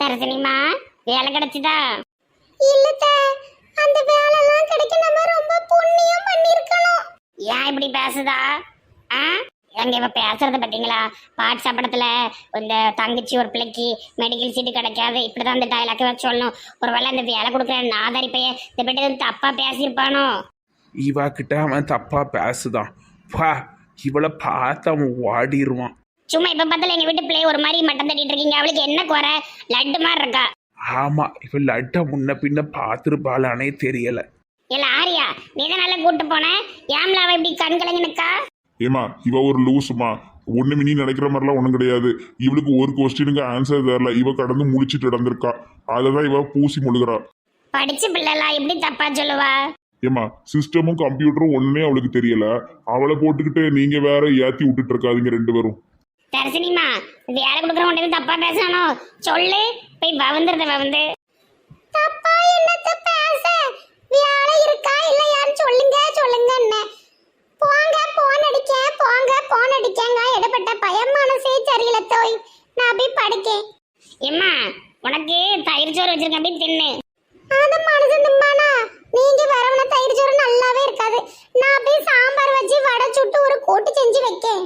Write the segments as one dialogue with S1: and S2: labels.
S1: தரசனிமா வேலை கிடைச்சுதா?
S2: இல்லத்த, அந்த வேலைலாம் கிடைக்க நம்ம ரொம்ப புண்ணியம் பண்ணிருக்கணும்.
S1: ஏன் இப்படி பேசுதா? ஆ எங்க இவ பேசுறத பார்த்தீங்களா? பாட் சாப்பிடத்துல இந்த தங்கச்சி ஒரு பிள்ளைக்கு மெடிக்கல் சீட்டு கிடைக்காது, இப்படிதான் அந்த டைலாக் வச்சு சொல்லணும். ஒருவேளை அந்த வேலை கொடுக்குற நாதாரி பையன் இந்த பிட்டு தப்பா பேசியிருப்பானோ?
S3: இவா கிட்ட அவன் தப்பா பேசுதான். பா, இவளை பார்த்து அவன் ஓடிடுவான்.
S1: சும்மா இப்ப பார்த்தால எங்க வீட்டு பிள்ளை ஒரு மாதிரி மட்டம் தட்டிட்டு இருக்கீங்க. அவளுக்கு என்ன குறை? லட்டு மாதிரி இருக்கா.
S3: ஆமா, இவ லட்ட முன்ன பின்ன பார்த்துருப்பாளானே தெரியல.
S1: இல்ல ஆரியா, நீ தான் நல்லா கூட்டு போன. ஏம்ல அவ இப்படி கண் கலங்கி நிக்கா?
S4: ஏமா இவ ஒரு லூசுமா, ஒண்ணு மினி நினைக்கிற மாதிரிலாம் ஒண்ணும் கிடையாது. இவளுக்கு ஒரு கொஸ்டினுக்கு ஆன்சர் தரல, இவ கடந்து முழிச்சிட்டு நடந்திருக்கா. அததான் இவ பூசி முழுகிறா.
S1: படிச்ச பிள்ளைலாம் எப்படி தப்பா சொல்லுவா?
S4: ஏமா சிஸ்டமும் கம்ப்யூட்டரும் ஒண்ணுமே அவளுக்கு தெரியல. அவளை போட்டுக்கிட்டு நீங்க வேற ஏத்தி விட்டுட்டு இருக்காதீங்க ரெண்டு பேரும்.
S1: தரிசனிமா, வேலை கொடுக்குறவங்க தப்பா பேசணும் சொல்லு. போய் வவுந்துருத
S2: தப்பா என்னத்த பேச? வேலை இருக்கா இல்லையான்னு சொல்லுங்க சொல்லுங்க. போங்க போன் அடிக்க, போங்க போன் அடிக்கங்க. இடப்பட்ட பயம் மனசே சரியில்லை தோய். நான் போய் படுக்கேன்.
S1: எம்மா, உனக்கு தயிர் சோறு வச்சிருக்கேன், போய் தின்னு.
S2: அது மனசு திம்பானா? நீங்க வரவன தயிர் சோறு நல்லாவே இருக்காது. நான் போய் சாம்பார் வச்சு வடை சுட்டு ஒரு கூட்டு செஞ்சு வைக்கேன்.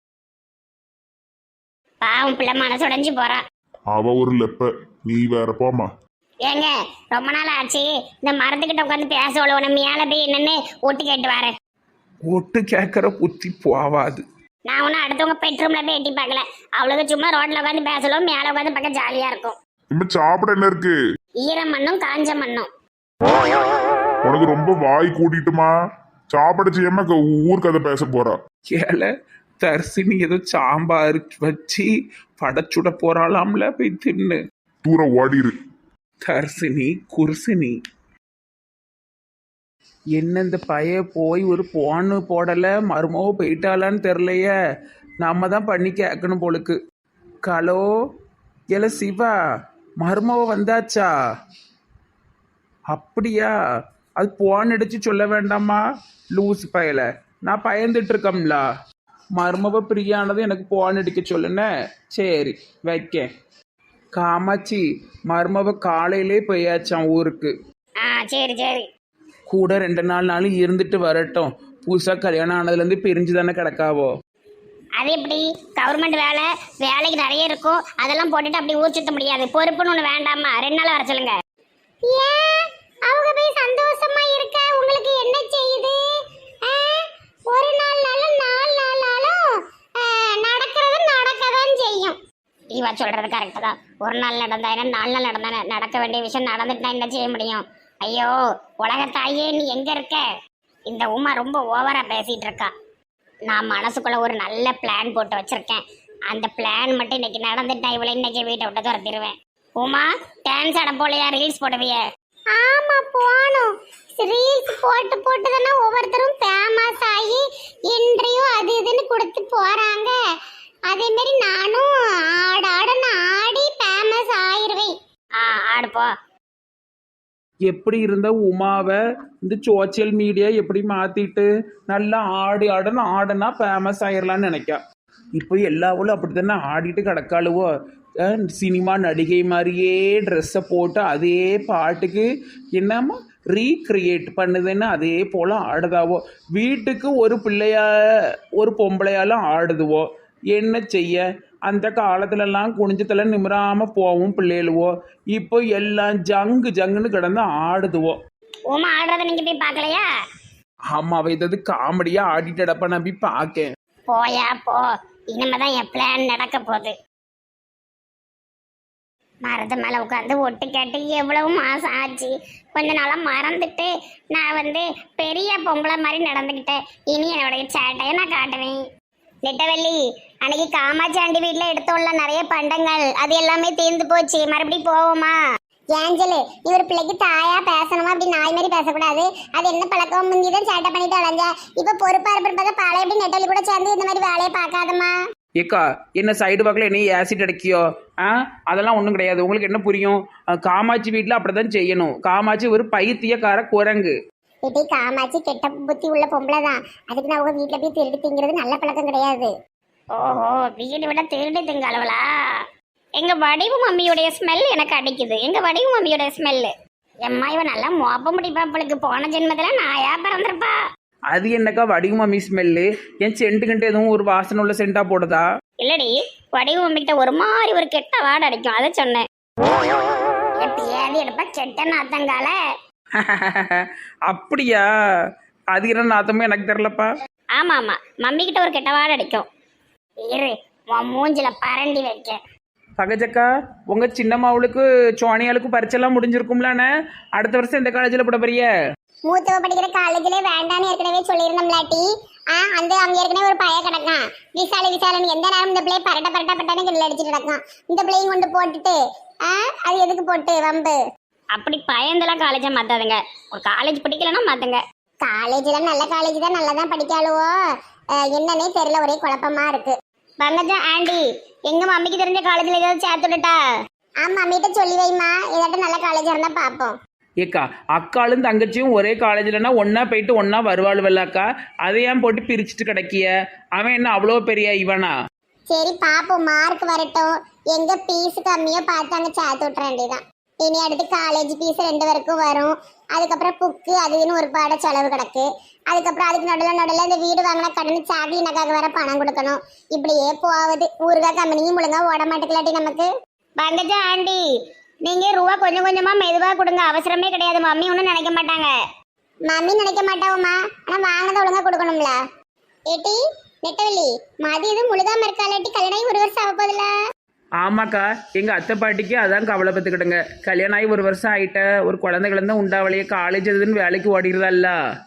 S1: பாவம் பிள்ளை மனசு உடைஞ்சு போறா.
S4: அவ ஒரு லெப்ப, நீ வேற போமா.
S1: ஏங்க, ரொம்ப நாள் ஆச்சு இந்த மரத்துக்கிட்ட உட்காந்து பேச உழவு. மேல போய் என்னன்னு ஒட்டு கேட்டு வரேன்.
S3: ஒட்டு கேட்கற புத்தி போவாது.
S1: நான் ஒன்னும் அடுத்தவங்க பெட்ரூம்ல போய் எட்டி பார்க்கல. அவளுக்கு சும்மா ரோட்ல உட்காந்து பேசலும், மேல உட்காந்து பார்க்க ஜாலியா இருக்கும்.
S4: இப்ப சாப்பிட என்ன இருக்கு?
S1: ஈர மண்ணும் காஞ்ச மண்ணும்.
S4: உனக்கு ரொம்ப வாய் கூட்டிட்டுமா? சாப்பிட செய்யாம ஊர் கதை பேச போறா.
S3: ஏல தர்சினி ஏதோ சாம்பார் வச்சு படச்சுட போறாளாம்ல, போய் தின்னு.
S4: தூரம் ஓடிரு.
S3: தர்சினி குர்சினி என்ன இந்த பைய போய் ஒரு போன்னு போடல, மருமவ போயிட்டாளான்னு தெரிலையே. நாம தான் பண்ணி கேட்கணும் போலுக்கு. ஹலோ ஏல சிவா, மருமவ வந்தாச்சா? அப்படியா? அது போன் அடிச்சு சொல்ல வேண்டாமா? லூஸ் பயல, நான் பயந்துட்டு இருக்கம்ல. மருமவ பிரியானது எனக்கு போன் அடிக்க சொல்லுன. சரி வைக்கேன். காமாட்சி, மருமவ காலையிலே போயாச்சான் ஊருக்கு.
S1: சரி சரி.
S3: கூட 2 நாளும் இருந்துட்டு வரட்டும். புதுசாக கல்யாணம் ஆனதுலேருந்து பிரிஞ்சு தானே கிடக்காவோ.
S1: அது எப்படி? கவர்மெண்ட் வேலைக்கு நிறைய இருக்கும், அதெல்லாம் போட்டுட்டு அப்படி ஊர் சுத்த முடியாது. பொறுப்புன்னு ஒன்று வேண்டாமா? 2 நாள் வர சொல்லுங்க.
S2: ஏன் அவங்க போய் சந்தோஷமா இருக்க உங்களுக்கு என்ன செய்யுது? ஒரு நாள் நாளும் 4 நாளும் நடக்கிறது நடக்கதான் செய்யும்.
S1: இவா சொல்றது கரெக்டு தான். ஒரு நாள் நடந்தா என்ன, 4 நாள் நடந்தானே. நடக்க வேண்டிய விஷயம் நடந்துட்டு என்ன செய்ய முடியும்? ஐயோ உலகத்தாயே, நீ எங்க இருக்க? இந்த உமா ரொம்ப ஓவரா பேசிட்டு இருக்கா. நான் மனசுக்குள்ள ஒரு நல்ல பிளான் போட்டு வச்சிருக்கேன். அந்த பிளான் மட்டும் இன்னைக்கு நடந்துட்டா இவளை இன்னைக்கு வீட்டை விட்டு துரத்திடுவேன். உமா, டான்ஸ் ஆட போலையா? ரீல்ஸ் போடுவிய?
S2: ஆமா போணும். ரீல்ஸ் போட்டு போட்டு தானே ஒவ்வொருத்தரும் ஃபேமஸ் ஆகி இன்டர்வியூ அது இதுன்னு கொடுத்து போறாங்க. அதே மாதிரி நானும் ஆடுன்னு ஆடி ஃபேமஸ் ஆயிருவேன்.
S1: ஆடுப்போ.
S3: எப்படி இருந்த உமாவை இந்த சோசியல் மீடியா எப்படி மாற்றிட்டு நல்லா ஆடுனா ஃபேமஸ் ஆயிடலான்னு நினைக்கா. இப்போ எல்லாவளும் அப்படி தானே ஆடிட்டு கிடக்காளுவோ. சினிமா நடிகை மாதிரியே ட்ரெஸ்ஸை போட்டு அதே பாட்டுக்கு என்னமோ ரீக்ரியேட் பண்ணுதுன்னு அதே போல் ஆடுதாவோ. வீட்டுக்கு ஒரு பிள்ளையா ஒரு பொம்பளையாலும் ஆடுதுவோ. என்ன செய்ய? அந்த காலத்துலலாம் குனிஞ்சத்துல நிமிராமல் போவோம் பிள்ளைகளுவோ. இப்போ எல்லாம் ஜங்குன்னு கிடந்து ஆடுதுவோ.
S1: உமா ஆடுறத நீங்க போய் பார்க்கலையா?
S3: ஆமா, அவ ஏதாவது காமெடியா ஆடிட்டு அடப்ப நான் போய் பார்க்கேன்.
S1: போயா போ, இனிமேதான் என் பிளான் நடக்க போகுது. மரத்து மேல உட்காந்து ஒட்டு கேட்டு எவ்வளவு மாசம் ஆச்சு. கொஞ்ச நாளா மறந்துட்டு நான் பெரிய பொம்பளை மாதிரி நடந்துக்கிட்டேன். இனி என்னுடைய சேட்டையை நான் காட்டுவேன். நெட்டவள்ளி, அன்னைக்கு காமாட்சி ஆண்டி வீட்டுல எடுத்தோம்ல நிறைய பண்டங்கள், அது எல்லாமே தீர்ந்து போச்சு. மறுபடியும் போவோமா?
S2: ஏஞ்சலு, நீ ஒரு பிள்ளைக்கு தாயா பேசணுமா? அப்படி நாய் மாதிரி பேசக்கூடாது. அது என்ன பழக்கம்? முந்திதான் சேட்டை பண்ணிட்டு அலைஞ்ச. இப்ப பொறுப்பா இருப்பதை பாலை எப்படி நெட்டவள்ளி கூட சேர்ந்து இந்த மாதிரி வேலையை பார்க்காதம்மா.
S3: ஏக்கா, என்ன சைடு பக்கத்தில் என்ன ஆசிட் அடைக்கியோ? அதெல்லாம் ஒன்றும் கிடையாது. உங்களுக்கு என்ன புரியும்? காமாட்சி வீட்டில் அப்படிதான் செய்யணும். காமாட்சி ஒரு பைத்தியக்கார குரங்கு.
S2: இட்டி காமாட்சி கெட்ட புத்தி உள்ள பொம்பளை தான். அதுக்கு நான் உங்க வீட்டுல போய் திருடி திங்கிறது நல்ல பழக்கம் கிடையாது.
S1: ஓஹோ, வீடு விட திருடி திங்க அளவுலா? எங்க வடிவு மம்மியுடைய ஸ்மெல் எனக்கு அடிக்குது. எங்க வடிவு மம்மியுடைய ஸ்மெல்லு. எம்மா இவ நல்லா மோப்ப முடிப்பா. அவளுக்கு போன ஜென்மத்துல நாயா பிறந்திருப்பா.
S3: அது என்னக்கா வடிவு மம்மி ஸ்மெல்லு? ஏன் சென்ட்டுக்கிட்ட எதுவும் ஒரு வாசனை உள்ள சென்டா போடுதா?
S1: இல்லடி, வடிவு மம்மிக்கிட்ட ஒரு மாதிரி ஒரு கெட்ட வாடை அடிக்கும், அதை சொன்னேன். எப்பயாவது எடுப்பா கெட்ட நாத்தங்கால.
S3: அப்படியா? அது என்ன நாத்தமே எனக்கு தெரியலப்பா.
S1: ஆமா ஆமா, மம்மி கிட்ட ஒரு கெட்ட வாடை அடிக்கும். இரு உன் மூஞ்சில பரண்டி வைக்க.
S3: பகஜக்கா, உங்க சின்னம்மாவுக்கு சோனியாளுக்கு பரிச்செல்லாம் முடிஞ்சிருக்கும்லானே? அடுத்த வருஷம் இந்த காலேஜில் போட போறிய?
S2: மூத்தவ படிக்கிற காலேஜ்ல வேண்டான்னு ஏற்கனவே சொல்லியிருந்தோம்லாட்டி. அந்த அங்க ஏற்கனவே ஒரு பைய கிடக்கான், விசாலன். எந்த நேரம் இந்த பிள்ளைய பரட்டன்னு கிண்டல் அடிச்சுட்டு கிடக்கான். இந்த பிள்ளையும் கொண்டு போட்டுட்டு அது எதுக்கு போட்டு வம்பு?
S1: அப்படி பயந்தெல்லாம் காலேஜை மாத்தாதுங்க. ஒரு காலேஜ் பிடிக்கலன்னா மாத்துங்க.
S2: காலேஜ்ல நல்ல காலேஜ் தான், நல்லா தான் படிக்காளுவோ. என்னன்னே தெரியல, ஒரே குழப்பமா இருக்கு.
S1: பங்கஜா ஆண்டி, எங்க மம்மிக்கு தெரிஞ்ச காலேஜ்ல ஏதாவது சேர்த்து விட்டுட்டா?
S2: ஆமா, மம்மிட்ட சொல்லி வைமா, ஏதாட்டும் நல்ல காலேஜா இருந்தா பாப்போம்.
S3: ஏக்கா, அக்காளும் தங்கச்சியும் ஒரே காலேஜ்லன்னா ஒன்னா போயிட்டு ஒன்னா வருவாளுவல்லாக்கா. அதை ஏன் போட்டு பிரிச்சுட்டு கிடக்கிய? அவன் என்ன அவ்வளோ பெரிய இவனா?
S2: சரி பாப்போம், மார்க் வரட்டும். எங்க பீஸ் கம்மியோ பார்த்து அங்க சேர்த்து விட்டுற வேண்டியதான். இனி அடுத்து காலேஜ் பீஸ் 2 பேருக்கும் வரும். அதுக்கப்புறம் புக்கு அதுன்னு ஒரு பாட செலவு கிடக்கு. அதுக்கப்புறம் அதுக்கு நடுவில் இந்த வீடு வாங்கினா கடன் சாக்லி நக்காக வேற பணம் கொடுக்கணும். இப்படியே போகுது. ஊருகா கம்பெனியும் ஒழுங்கா ஓட மாட்டேங்கலாட்டி நமக்கு.
S1: பங்கஜா ஆண்டி, நீங்க ரூபா கொஞ்சம் கொஞ்சமா மெதுவா கொடுங்க, அவசரமே கிடையாது. மம்மி ஒன்றும் நினைக்க மாட்டாங்க.
S2: மம்மி நினைக்க மாட்டாவுமா, ஆனா வாங்கினதை ஒழுங்கா கொடுக்கணும்ல. ஏட்டி நெட்டவெளி, மதி எதுவும் முழுகாம இருக்காளாட்டி? கல்யாணம் 1 வருஷம் ஆக போதில்ல?
S3: ஆமாக்கா, எங்க அத்தை பாட்டிக்கு அதான் கவலை பத்துக்கிடுங்க. கல்யாணம் ஆகி 1 வருஷம் ஆயிட்ட, ஒரு குழந்தைகள் தான் உண்டாவளையே, காலேஜ் எதுன்னு வேலைக்கு ஓடிடுறதல்ல.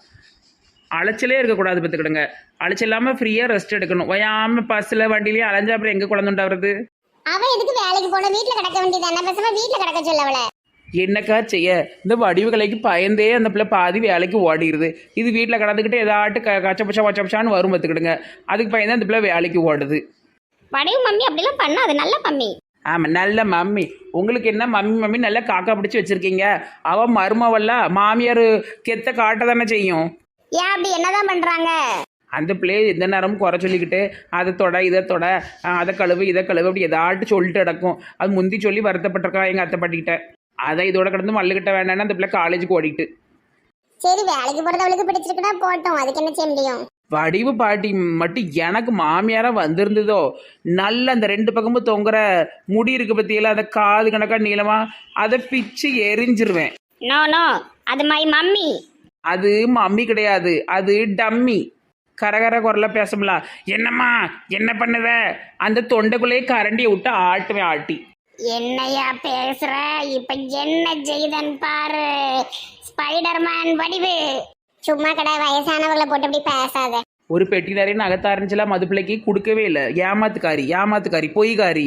S3: அலைச்சலே இருக்கக்கூடாது பத்துக்கிடுங்க. அலைச்சல் இல்லாமல் ஃப்ரீயாக ரெஸ்ட் எடுக்கணும். வயாம பஸ்ஸில் வண்டியிலேயே அலைஞ்சா அப்புறம் எங்கே குழந்தை உண்டாவது?
S2: அவ எதுக்கு வேலைக்கு போன? வீட்டுல கிடக்க வேண்டியதானே, பேசாம வீட்டுல கிடக்க சொல்ல அவளை.
S3: என்னக்கா செய்ய, இந்த வடிவு கலைக்கு பயந்தே அந்த பிள்ளை பாதி வேலைக்கு ஓடிடுது. இது வீட்டில் கடந்துக்கிட்டு ஏதாட்டு கச்சப்பச்சான்னு வரும் பார்த்துக்கிடுங்க. அதுக்கு பயந்தே அந்த பிள்ளை வேலைக்கு ஓடுது.
S1: வடிவு மம்மி அப்படிலாம் பண்ணாது, நல்ல மம்மி.
S3: ஆமாம், நல்ல மம்மி. உங்களுக்கு என்ன மம்மி நல்லா காக்கா பிடிச்சி வச்சுருக்கீங்க. அவன் மருமவல்ல, மாமியார் கெத்த காட்ட தானே செய்யும்.
S1: ஏன் அப்படி என்னதான் பண்றாங்க?
S3: அந்த பிள்ளையை எந்த நேரமும் குறை சொல்லிக்கிட்டு அதை தொட இதை தொட, அதை கழுவு இதை கழுவு அப்படி ஏதாட்டு சொல்லிட்டு கிடக்கும். அது முந்தி சொல்லி வருத்தப்பட்டிருக்கா எங்கள் அத்தை பாட்டிக்கிட்ட. அதை இதோட கிடந்து மல்லுக்கிட்ட வேண்டான்னு அந்த பிள்ளை காலேஜுக்கு ஓடிட்டு.
S2: சரி, வேலைக்கு போறது அவளுக்கு பிடிச்சிருக்குன்னா போட்டோம், அதுக்கு என்ன செய்ய முடியும்?
S3: வடிவு பாட்டி மட்டும் எனக்கு மாமியாரா வந்திருந்ததோ, நல்ல அந்த 2 பக்கமும் தொங்குற முடி இருக்கு பத்தியெல்லாம், அதை காது கணக்கா நீளமா அதை பிச்சு எரிஞ்சிருவேன்.
S1: நோ நோ, அது மை மம்மி.
S3: அது மம்மி கிடையாது, அது டம்மி. கரகர குரல பேசல. என்னம்மா என்ன பண்ணுவ? அந்த தொண்டைக்குள்ளேயே கரண்டியை விட்டு ஆட்டுவேன் ஆட்டி.
S1: என்னையா பேசுற? இப்ப என்ன செய்தன் பாரு, ஸ்பைடர்மேன் வடிவு.
S2: சும்மா கடை, வயசானவர்களை போட்டு அப்படி பேசாத.
S3: ஒரு பெட்டி நிறைய நகத்த ஆரம்பிச்சலாம், மது பிள்ளைக்கு கொடுக்கவே இல்லை. ஏமாத்துக்காரி பொய்காரி.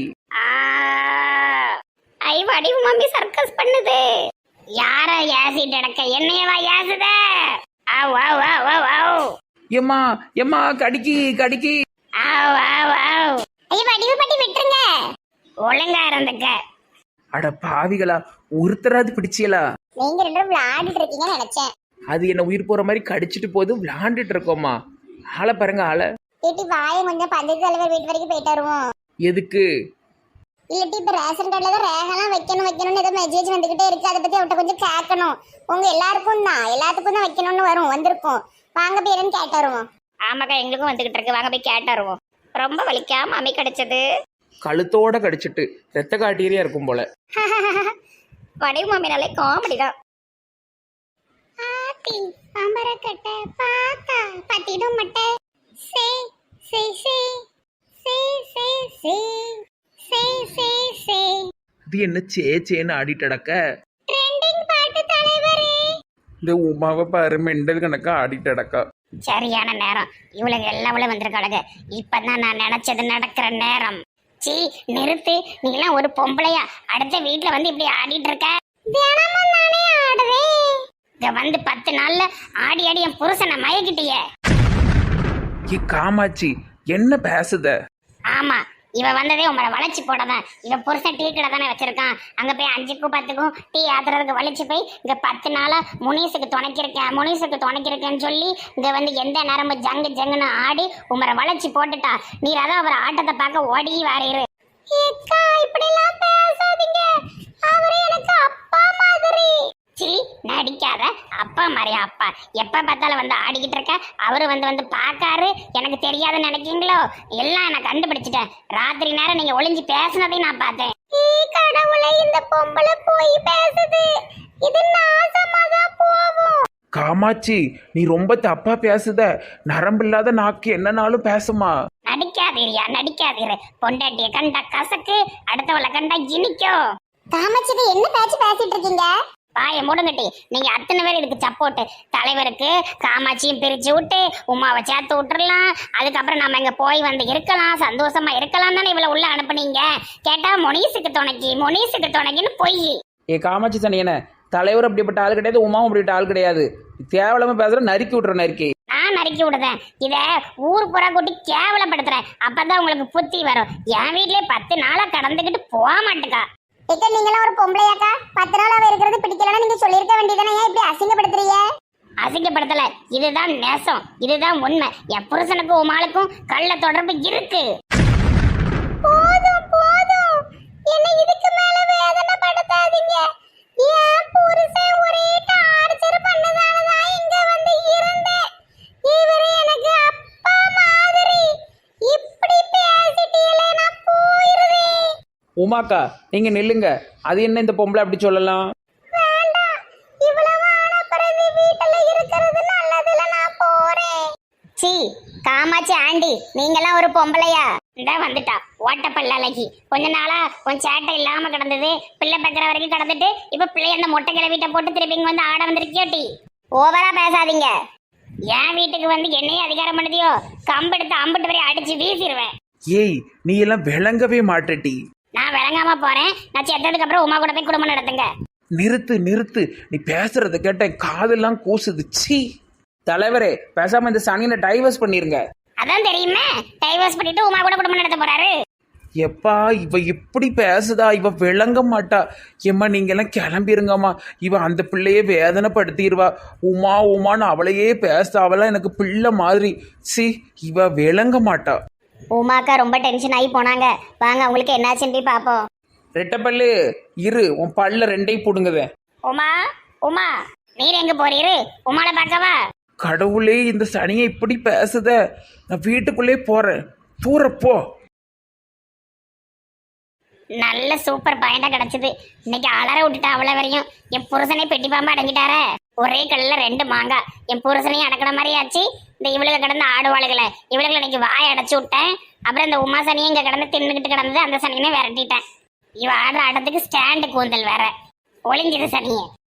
S1: ஐ, வடிவு மம்மி சர்க்கஸ் பண்ணுது. யார ஏசிட்டு அடக்க? என்னையவா ஏசுத?
S3: எம்மா கடிக்கி.
S2: ஐயோ, வடிவு பாட்டி விட்டுருங்க.
S1: ஒழுங்கா இருந்துக்க.
S3: அட பாவிகளா, ஒருத்தராது பிடிச்சியலா?
S2: நீங்க 2 பேரும் விளையாடிட்டு இருக்கீங்கன்னு நினைச்சேன்.
S3: அது என்ன உயிர் போற மாதிரி கடிச்சிட்டு போது விளையாண்டுட்டு இருக்கோமா? ஆளை பாருங்க ஆளை.
S2: ஏட்டி வாயை கொஞ்சம் பஞ்சத்து தலைவர் வீட்டு வரைக்கும் போயிட்டு வருவோம்.
S3: எதுக்கு?
S2: இல்லட்டி இப்ப ரேஷன் கார்டுல தான் ரேகெல்லாம் வைக்கணும்னு ஏதோ மெசேஜ் வந்துகிட்டே இருக்கு. அதை பத்தி அவட்ட கொஞ்சம் கேட்கணும். உங்க எல்லாத்துக்கும் தான் வைக்கணும்னு வரும், வந்திருக்கும். வாங்க பேருன்னு கேட்டு வருவோம்.
S1: ஆமாக்கா, எங்களுக்கும் வந்துகிட்டு இருக்கு. வாங்க போய் கேட்டு வருவோம். ரொம்ப வலிக்காம மம்மி கிடைச்சது.
S3: கழுத்தோட கடிச்சிட்டு ரத்த காட்டீரியா இருக்கும் போல.
S1: வடிவு மம்மினாலே காமெடி தான்.
S2: ஆத்தி அமரக்கட்ட பாத்தா பத்திடும் மட்டை சே சே சே சே சே சே சே சே சே.
S3: இது என்ன சேச்சேன்னு ஆடிட்டு அடக்க?
S2: ட்ரெண்டிங் பாட்டு தலைவரே.
S3: இந்த உமாவை பாரு, மெண்டல் கணக்கா ஆடிட்டு அடக்கா.
S1: சரியான நேரம். இவளுக்கு எல்லாவளும் வந்திருக்காளுங்க. இப்பதான் நான் நினைச்சது நடக்கிற நேரம். சீ, நிறுத்து. நீங்களாம் ஒரு பொம்பளையா அடுத்த வீட்டுல வந்து இப்படி ஆடிட்டு இருக்க?
S2: தினமும் நானே ஆடுவேன்.
S1: இங்க வந்து 10 நாள்ல ஆடி என் புருஷனை மயக்கிட்டியே.
S3: காமாட்சி என்ன பேசுத?
S1: ஆமா, இவ வந்ததே உங்களை வளைச்சு போடதான். இவ புருஷன் டீ கடை தானே வச்சிருக்கான். அங்க போய் 5க்கும் 10க்கும் டீ ஆத்துறதுக்கு வலிச்சு போய் இங்க 10 நாளா முனீஸுக்கு துணைக்கிருக்கேன்னு சொல்லி இங்க வந்து எந்த நேரமும் ஜங்குன்னு ஆடி உமரை வளைச்சு போட்டுட்டா. நீர் அதான் அவர் ஆட்டத்தை பார்க்க ஓடி வாரீரு.
S2: ஏக்கா இப்படிலாம் பேசாதீங்க. அவரு எனக்கு அப்பா மாதிரி.
S1: சி நடிக்காத. அப்பா மாதிரியா அப்பா? எப்ப பார்த்தாலும் வந்து ஆடிக்கிட்டு இருக்க. அவரு வந்து பார்க்காரு. எனக்கு தெரியாதுன்னு நினைக்கீங்களோ? எல்லாம் நான் கண்டுபிடிச்சிட்டேன். ராத்திரி நேரம் நீங்க ஒளிஞ்சு பேசுனதையும் நான் பார்த்தேன்.
S2: கடவுளை, இந்த பொம்பளை போய் பேசுது. இது நாசமா தான் போகும்.
S3: காமாட்சி, நீ ரொம்ப தப்பா பேசுத. நரம்பில்லாத நாக்கு என்னனாலும் பேசுமா.
S1: நடிக்காதீரியா, நடிக்காதீரு. பொண்டாட்டிய கண்டா கசக்கு, அடுத்தவளை கண்டா இனிக்கும்.
S2: காமாட்சி என்ன பேச்சு பேசிட்டு இருக்கீங்க?
S1: பாய மூடுங்கட்டி. நீங்க அத்தனை பேர் இதுக்கு சப்போர்ட். தலைவருக்கு காமாட்சியும் பிரிச்சு விட்டு உமாவை சேர்த்து விட்டுறலாம். அதுக்கப்புறம் நம்ம இங்க போய் வந்து இருக்கலாம், சந்தோஷமா இருக்கலாம் தானே இவ்வளவு உள்ள அனுப்புனீங்க. கேட்டா மொனீஸுக்கு துணைக்குன்னு பொய்.
S3: ஏ காமாட்சி தனியன, தலைவர் அப்படிப்பட்ட ஆள் கிடையாது, உமாவும் அப்படிப்பட்ட ஆள் கிடையாது. தேவலாம பேசுற நறுக்கி விட்டுற நறுக்கி.
S1: நான் நறுக்கி விடுதேன். இத ஊர் புறா கூட்டி கேவலப்படுத்துறேன். அப்பதான் உங்களுக்கு புத்தி வரும். என் வீட்லயே 10 நாளா கடந்துகிட்டு போக மாட்டுக்கா.
S2: ஏக்கா நீங்களாம் ஒரு பொம்பளையாக்கா? 10 நாள் அவ இருக்கிறது பிடிக்கலன்னா நீங்க சொல்லியிருக்க வேண்டியதானே. ஏன் இப்படி அசிங்கப்படுத்துறீங்க?
S1: அசிங்கப்படுத்தல. இதுதான் நேசம், இதுதான் உண்மை. என் புருஷனுக்கும் உமாளுக்கும் கள்ள தொடர்பு இருக்கு.
S2: போதும் போதும், என்ன இதுக்கு மேல வேதனைப்படுத்தாதீங்க. என் புருஷன் ஒரே டார்ச்சர் பண்ணதானதான் இங்க வந்து இருந்தேன். இவரு எனக்கு அப்பா மாதிரி. இப்படி பேசிட்டீங்களே, நான் போயிருவேன்.
S3: உமாக்கா, நீங்க நில்லுங்க. அது என்ன இந்த பொம்பளை அப்படி சொல்லலாம்?
S2: வேண்டாம், இவ்வளவு ஆன பிறகு வீட்டுல இருக்கிறது நல்லதுல. நான் போறேன்.
S1: சி காமாட்சி ஆண்டி, நீங்கெல்லாம் ஒரு பொம்பளையா? இந்த வந்துட்டா ஓட்டப்பல்ல அழகி. கொஞ்ச நாளா கொஞ்சம் சேட்டை இல்லாம கிடந்தது. பிள்ளை பெக்கிற வரைக்கும் கிடந்துட்டு இப்ப பிள்ளை அந்த மொட்டை கிளவிட்ட போட்டு திருப்பி இங்க வந்து ஆட வந்திருக்கியோட்டி. ஓவரா பேசாதீங்க. என் வீட்டுக்கு வந்து என்னையே அதிகாரம் பண்ணுதியோ, கம்பெடுத்து அம்பிட்டு வரை அடிச்சு வீசிடுவேன்.
S3: ஏய், நீ எல்லாம் விளங்கவே மாட்டடி.
S1: நான் விளங்காம போறேன். நான் செத்ததுக்கு அப்புறம் உமா கூட போய் குடும்பம் நடத்துங்க.
S3: நிறுத்து. நீ பேசுறத கேட்ட காதெல்லாம் கூசுது. சீ. தலைவரே, பேசாம இந்த சனியனை டைவர்ஸ் பண்ணிருங்க.
S1: அதான் தெரியுமே, டைவர்ஸ் பண்ணிட்டு உமா கூட குடும்பம் நடத்த போறாரு.
S3: எப்பா, இவ இப்படி பேசுதா? இவ விளங்க மாட்டா. ஏம்மா நீங்க எல்லாம் கிளம்பிருங்கம்மா. இவ அந்த பிள்ளையே வேதனைப்படுத்திடுவா. உமான்னு அவளையே பேச. அவளாம் எனக்கு பிள்ளை மாதிரி. சி, இவ விளங்க மாட்டா.
S1: உமாக்கா ரொம்ப டென்ஷன் ஆகி போனாங்க. வாங்க அவங்களுக்கு என்னாச்சுன்னு போய் பார்ப்போம்.
S3: ரெட்டப்பல்லு இரு, உன் பல்ல ரெண்டையும் புடுங்குத.
S1: உமா நீர் எங்க போறீரு? உமால பார்க்கவா?
S3: கடவுளே, இந்த சனியை இப்படி பேசுத. நான் வீட்டுக்குள்ளே போறேன். தூரப்போ.
S1: நல்ல சூப்பர் பாயிண்டா கிடைச்சது. இன்னைக்கு அலற விட்டுட்டா அவ்வளோ வரையும். என் புருஷனை பெட்டி பாம்பா அடங்கிட்டாரே. ஒரே கல்ல 2 மாங்காய். என் புருஷனையும் அடக்கிற மாதிரி ஆச்சு. இந்த இவளுக்கு கிடந்த ஆடுவாளுகளை இன்னைக்கு வாயை அடைச்சு விட்டேன். அப்புறம் இந்த உமா சனியும் இங்க கிடந்து தின்னுக்கிட்டு கிடந்தது. அந்த சனியனை விரட்டிட்டேன். இவ ஆடுற ஆட்டத்துக்கு ஸ்டாண்டு கூந்தல் வேற. ஒளிஞ்சது சனியே.